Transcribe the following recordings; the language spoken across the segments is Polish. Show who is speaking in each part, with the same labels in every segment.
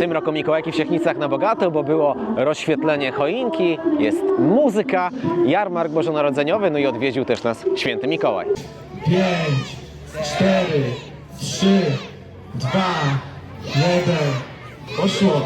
Speaker 1: tym roku Mikołajki w Siechnicach na bogato, bo było rozświetlenie choinki, jest muzyka, jarmark bożonarodzeniowy, no i odwiedził też nas święty Mikołaj.
Speaker 2: 5, 4, 3, 2, 1, poszło.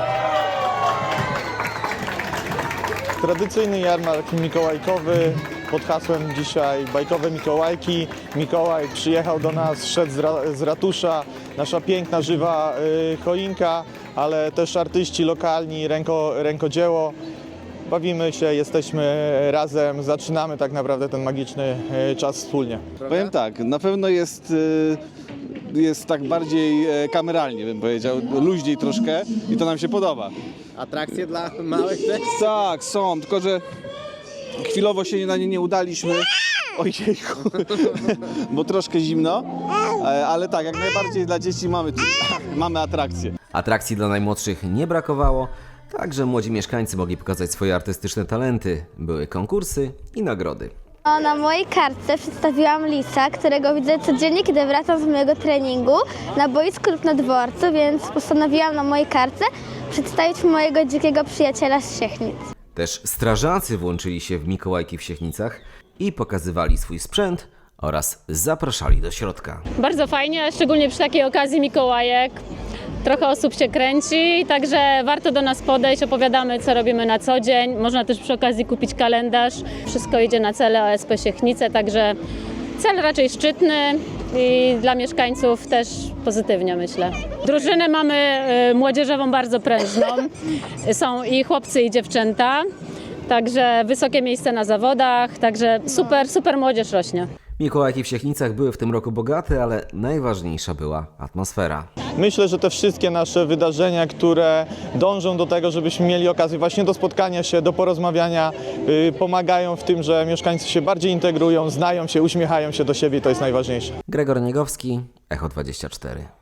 Speaker 3: Tradycyjny jarmark mikołajkowy pod hasłem dzisiaj Bajkowe Mikołajki. Mikołaj przyjechał do nas, szedł z ratusza, nasza piękna, żywa choinka, ale też artyści lokalni, rękodzieło. Bawimy się, jesteśmy razem, zaczynamy tak naprawdę ten magiczny czas wspólnie.
Speaker 4: Powiem tak, na pewno jest tak bardziej kameralnie, bym powiedział, luźniej troszkę i to nam się podoba.
Speaker 1: Atrakcje dla małych też?
Speaker 4: Tak, są, tylko że chwilowo się na nie nie udaliśmy. Ojejku, bo troszkę zimno, ale tak, jak najbardziej dla dzieci mamy atrakcje.
Speaker 5: Atrakcji dla najmłodszych nie brakowało, także młodzi mieszkańcy mogli pokazać swoje artystyczne talenty. Były konkursy i nagrody.
Speaker 6: Na mojej kartce przedstawiłam lisa, którego widzę codziennie, kiedy wracam z mojego treningu na boisku lub na dworcu, więc postanowiłam na mojej kartce przedstawić mojego dzikiego przyjaciela z Siechnic.
Speaker 5: Też strażacy włączyli się w Mikołajki w Siechnicach i pokazywali swój sprzęt oraz zapraszali do środka.
Speaker 7: Bardzo fajnie, szczególnie przy takiej okazji Mikołajek. Trochę osób się kręci, także warto do nas podejść, opowiadamy, co robimy na co dzień. Można też przy okazji kupić kalendarz. Wszystko idzie na cele OSP Siechnice, także cel raczej szczytny i dla mieszkańców też pozytywnie, myślę. Drużynę mamy młodzieżową bardzo prężną. Są i chłopcy, i dziewczęta, także wysokie miejsce na zawodach, także super młodzież rośnie.
Speaker 5: Mikołajki w Siechnicach były w tym roku bogate, ale najważniejsza była atmosfera.
Speaker 3: Myślę, że te wszystkie nasze wydarzenia, które dążą do tego, żebyśmy mieli okazję właśnie do spotkania się, do porozmawiania, pomagają w tym, że mieszkańcy się bardziej integrują, znają się, uśmiechają się do siebie i to jest najważniejsze.
Speaker 5: Gregor Niegowski, Echo 24.